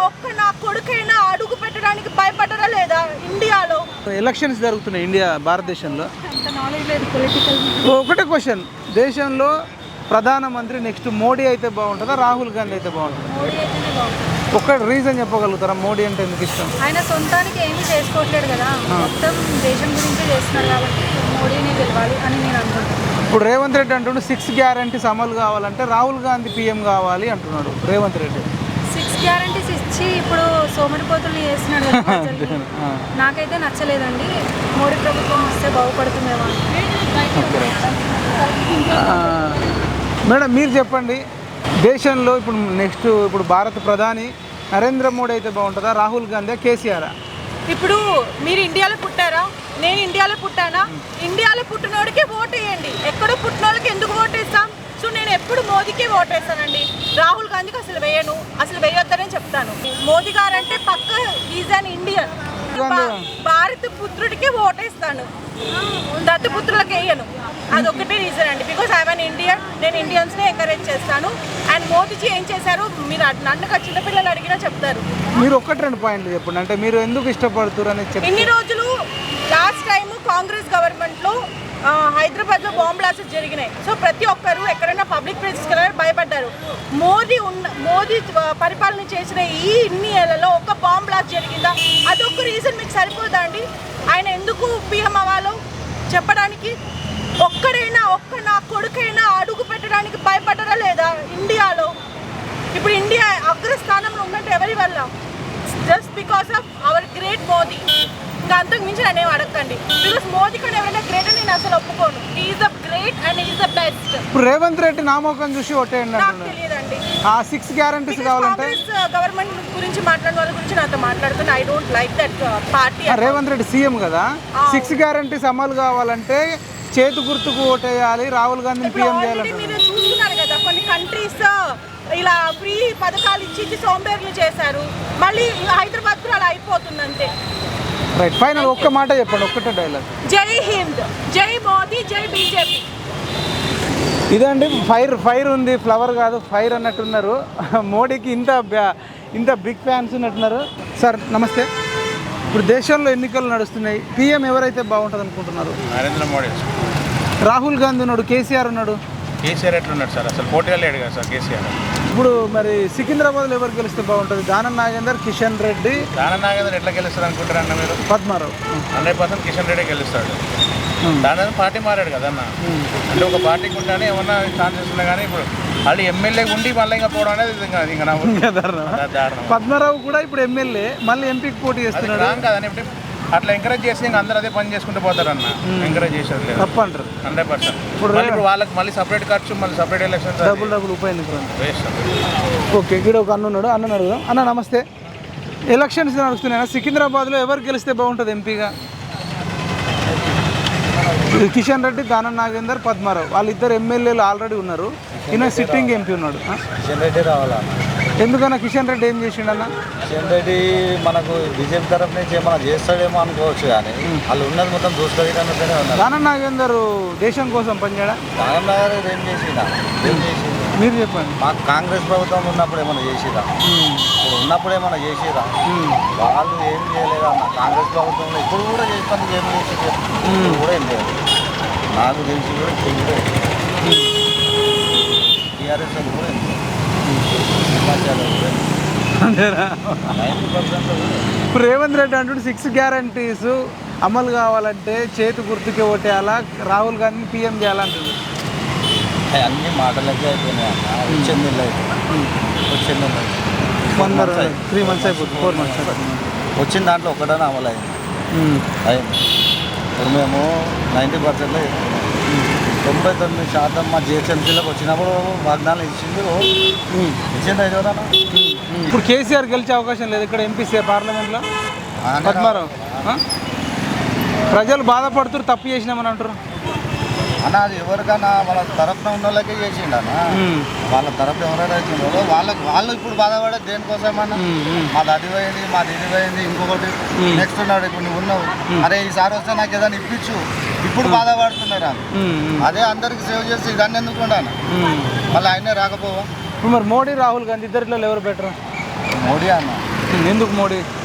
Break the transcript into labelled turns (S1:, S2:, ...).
S1: ఒక్క నా కొడుకైనా అడుగు పెట్టడానికి భయపడరా లేదా ఇండియాలో?
S2: ఎలక్షన్స్ జరుగుతున్నాయి ఇండియా భారతదేశంలో. ఒకటే క్వశ్చన్, దేశంలో ప్రధానమంత్రి నెక్స్ట్ మోడీ అయితే బాగుంటుందా రాహుల్ గాంధీ అయితే బాగుంటుందా? ఒక్క రీజన్ చెప్పగలుగుతారా మోడీ అంటే ఎందుకు ఇష్టం?
S3: ఆయన సొంతానికి ఏమీ చేసుకోవట్లేదు కదా, మొత్తం దేశం గురించి చేస్తున్నారు కాబట్టి మోడీని గెలవాలి అని నేను అనుకుంటున్నాను.
S2: ఇప్పుడు రేవంత్ రెడ్డి అంటుండే 6 గ్యారంటీస్ అమలు కావాలంటే రాహుల్ గాంధీ పీఎం కావాలి అంటున్నాడు రేవంత్ రెడ్డి.
S3: 6 గ్యారంటీస్ ఇచ్చి ఇప్పుడు సోమరిపోతులు చేస్తున్నాడు కదా ప్రజల్ని. నాకైతే నచ్చలేదండి. మోడీ ప్రభుత్వం వస్తే బాగుపడుతుందేమో.
S2: మేడం మీరు చెప్పండి, దేశంలో ఇప్పుడు భారత ప్రధాని నరేంద్ర మోడీ అయితే బాగుంటుందా రాహుల్ గాంధీ కేసీఆర్?
S1: ఇప్పుడు మీరు ఇండియాలో పుట్టారా, నేను ఇండియాలో పుట్టానా? ఇండియాలో పుట్టినోడికే ఓటు వేయండి, ఎక్కడో పుట్టినోళ్ళకి ఎందుకు ఓటు వేస్తాం? సో నేను ఎప్పుడు మోదీకే ఓటు వేస్తానండి, రాహుల్ గాంధీకి అసలు వేయను, అసలు వేయొద్దనే చెప్తాను. మోదీ గారు అంటే పక్క ఈజ్ అన్ ఇండియన్, భారత పుత్రుడికే ఓటేస్తాను, దత్తపుత్రులకు వేయను. అదొక్కటే రీజన్ అండి, బికాస్ ఐఎమ్ అన్ ఇండియన్. నేను ఇండియన్స్ని ఎంకరేజ్ చేస్తాను. అండ్ మోదీజీ ఏం చేశారు మీరు నన్ను చిన్నపిల్లలు అడిగినా చెప్తారు.
S2: మీరు 1-2 పాయింట్లు చెప్పండి, అంటే మీరు ఎందుకు ఇష్టపడుతున్నారు అని చెప్పి.
S1: ఇన్ని రోజులు లాస్ట్ టైం కాంగ్రెస్ గవర్నమెంట్లో హైదరాబాద్లో బాంబ్ బ్లాస్ట్స్ జరిగినాయి. సో ప్రతి ఒక్కరు ఎక్కడైనా పబ్లిక్ ప్లేసెస్కి వెళ్ళాలని భయపడ్డారు. మోదీ పరిపాలన చేసిన ఈ ఇన్ని ఏళ్లలో ఒక బాంబ్ బ్లాస్ట్ జరిగిందా? అదొక రీజన్ మీకు సరిపోదా అండి ఆయన ఎందుకు పీఎం అవ్వాలో చెప్పడానికి? ఒక్క నా కొడుకైనా అడుగు పెట్టడానికి భయపడరా లేదా ఇండియాలో? ఇప్పుడు ఇండియా అగ్రస్థానంలో ఉందంటే ఎవరి వల్ల? Just because of our great Modi. ఇంకా అంతకు మించి నన్ను ఏం అడగండి, బికాస్ మోదీ కూడా ఎవరైనా గ్రేట్ అని నేను అసలు ఒప్పుకోను. Is the great and is the best.
S2: ఇప్పుడు రేవంత్ రెడ్డి నామోకం చూసి ఒట్టేయండి
S1: నాకు తెలియదండి.
S2: ఆ 6 గ్యారంటీస్ కావాలంటే
S1: కాంగ్రెస్ గవర్నమెంట్ గురించి మాట్లాడిన వాళ్ళ గురించి నాతో మాట్లాడుతున్నా. I don't like that party.
S2: Revanth Reddy CM కదా, 6 గ్యారంటీస్ అమలు కావాలంటే చేతు గుర్తుకు ఓటేయాలి, రాహుల్ గాంధీని పీఎం చేయాలి.
S1: మీరు చూస్తున్నారు కదా కొన్ని కంట్రీస్ ఇలా ఫ్రీ పథకాలు ఇచ్చి సోంబేర్లు చేశారు. మళ్ళీ హైదరాబాద్ కూడా అలా అయిపోతుంది అంతే.
S2: రైట్, ఫైనల్ ఒక్క మాట చెప్పండి, ఒక్కటే డైలాగ్.
S1: జై హింద్, జై మోదీ, జై బీజేపీ.
S2: ఇదండి ఫైర్ ఉంది, ఫ్లవర్ కాదు ఫైర్ అన్నట్టున్నారు. మోడీకి ఇంత బిగ్ ఫ్యాన్స్ ఉన్నట్టున్నారు. సార్ నమస్తే, ఇప్పుడు దేశంలో ఎన్నికలు నడుస్తున్నాయి, పీఎం ఎవరైతే బాగుంటుంది అనుకుంటున్నారు?
S4: నరేంద్ర మోడీ.
S2: రాహుల్ గాంధీ ఉన్నాడు, కేసీఆర్ ఉన్నాడు.
S4: కేసీఆర్ ఎట్లున్నాడు సార్? అసలు పోటీ లేడు కదా సార్ కేసీఆర్.
S2: ఇప్పుడు మరి సికింద్రాబాద్లో ఎవరు గెలిస్తే బాగుంటుంది? దానం నాగేందర్, కిషన్ రెడ్డి.
S4: దానం నాగేందర్ ఎట్లా గెలుస్తారు అనుకుంటారు అన్న మీరు?
S2: పద్మారావు.
S4: 100% కిషన్ రెడ్డి గెలుస్తాడు. దాని పార్టీ మారాడు కదన్న, అంటే ఒక పార్టీకి ఉంటానే ఏమన్నా ఛాన్సెస్ ఉన్నాయి. కానీ ఇప్పుడు వాళ్ళు ఎమ్మెల్యే ఉండి మళ్ళీ ఇంకా పోవడం అనేది ఇంకా దారుణం.
S2: పద్మారావు కూడా ఇప్పుడు ఎమ్మెల్యే మళ్ళీ ఎంపీకి పోటీ చేస్తున్నాడు
S4: కదండి. ఇప్పుడు అట్లా ఎంకరేజ్ చేసి ఇంకా అందరూ అదే పని చేసుకుంటూ పోతారు అన్న. ఎంకరేజ్ చేసేది లేదు,
S2: తప్పు అంటారు
S4: 100%. ఇప్పుడు వాళ్ళకి మళ్ళీ సపరేట్ ఖర్చు, మళ్ళీ సపరేట్ ఎలక్షన్స్,
S2: డబుల్ ఉప ఎన్నికలు
S4: వేస్ట్.
S2: ఓకే, ఇక్కడ ఒక అన్నున్నాడు, అన్న అడుగుదాం. అన్న నమస్తే, ఎలక్షన్స్ నడుస్తున్నాయి, సికింద్రాబాద్లో ఎవరు గెలిస్తే బాగుంటుంది ఎంపీగా? కిషన్ రెడ్డి, దానం నాగేందర్, పద్మారావు, వాళ్ళిద్దరు ఎమ్మెల్యేలు ఆల్రెడీ ఉన్నారు. ఈయన సిట్టింగ్ ఎంపీ ఉన్నాడు.
S5: కిషన్ రెడ్డి రావాలా?
S2: ఎందుకన్నా కిషన్ రెడ్డి ఏం చేసిండన్న?
S5: కిషన్ రెడ్డి మనకు బీజేపీ తరఫు నుంచి ఏమైనా చేస్తాడేమో అనుకోవచ్చు, కానీ వాళ్ళు ఉన్నది మొత్తం దూసుకెళ్ళినట్టుగానే ఉన్నారు.
S2: దానం నాగేందర్ దేశం కోసం పనిచేయడా?
S5: దానం నాగేందర్ ఏం చేసిందా?
S2: మీరు చెప్పండి.
S5: మాకు కాంగ్రెస్ ప్రభుత్వం ఉన్నప్పుడు ఏమైనా చేసిరా? ఇప్పుడు ఉన్నప్పుడు ఏమైనా చేసిరా? వాళ్ళు ఏం చేయలేదా అన్న. కాంగ్రెస్ ప్రభుత్వంలో ఇప్పుడు కూడా చేస్తాను, ఏం చేసి కూడా ఏం లేదు. నాకు తెలిసి కూడా చేయలేదు. టీఆర్ఎస్ కూడా
S2: ఇప్పుడు రేవంత్ రెడ్డి అంటుంటే 6 గ్యారంటీస్ అమలు కావాలంటే చేతి గుర్తుకే ఓటేయాలా, రాహుల్ గాంధీని పీఎం చేయాలంటుంది.
S5: అన్ని మాటలకే అయిపోయినాయి అన్న. వచ్చింది వచ్చింది
S2: 3 months అయిపోతుంది, 4 months అయిపోతుంది.
S5: వచ్చిన దాంట్లో ఒకటనే అమలు అయింది. ఇప్పుడు మేము 90%లో 99% మా జిహెచ్ఎంసీలోకి వచ్చినప్పుడు వాగ్దానాలు ఇచ్చింది ఎవరన్నా.
S2: ఇప్పుడు కేసీఆర్ గెలిచే అవకాశం లేదు ఇక్కడ ఎంపీ పార్లమెంట్లో. పద్మారావు ప్రజలు బాధపడుతున్నారు, తప్పు చేసినామని అంటారు
S5: అన్న. అది ఎవరికన్నా వాళ్ళ తరఫున ఉన్న వాళ్ళకే చేసిండు అన్న. వాళ్ళ తరఫున ఎవరైనా వచ్చిందో వాళ్ళు ఇప్పుడు బాధపడేది దేనికోసమన్నా? మాది అది పోయింది, మాది ఇది పోయింది, ఇంకొకటి నెక్స్ట్ ఉన్నాడు. ఇప్పుడు నువ్వు ఉన్నావు, అరే ఈసారి వస్తే నాకు ఏదైనా ఇప్పించు, ఇప్పుడు బాధపడుతున్నారు. అదే అందరికి సేవ్ చేసి దాన్ని ఎందుకు ఉండాలి? మళ్ళీ ఆయనే రాకపోవా?
S2: ఇప్పుడు మరి మోడీ, రాహుల్ గాంధీ ఇద్దరిలో ఎవరు బెటర్?
S5: మోడీ అన్న.
S2: ఎందుకు మోడీ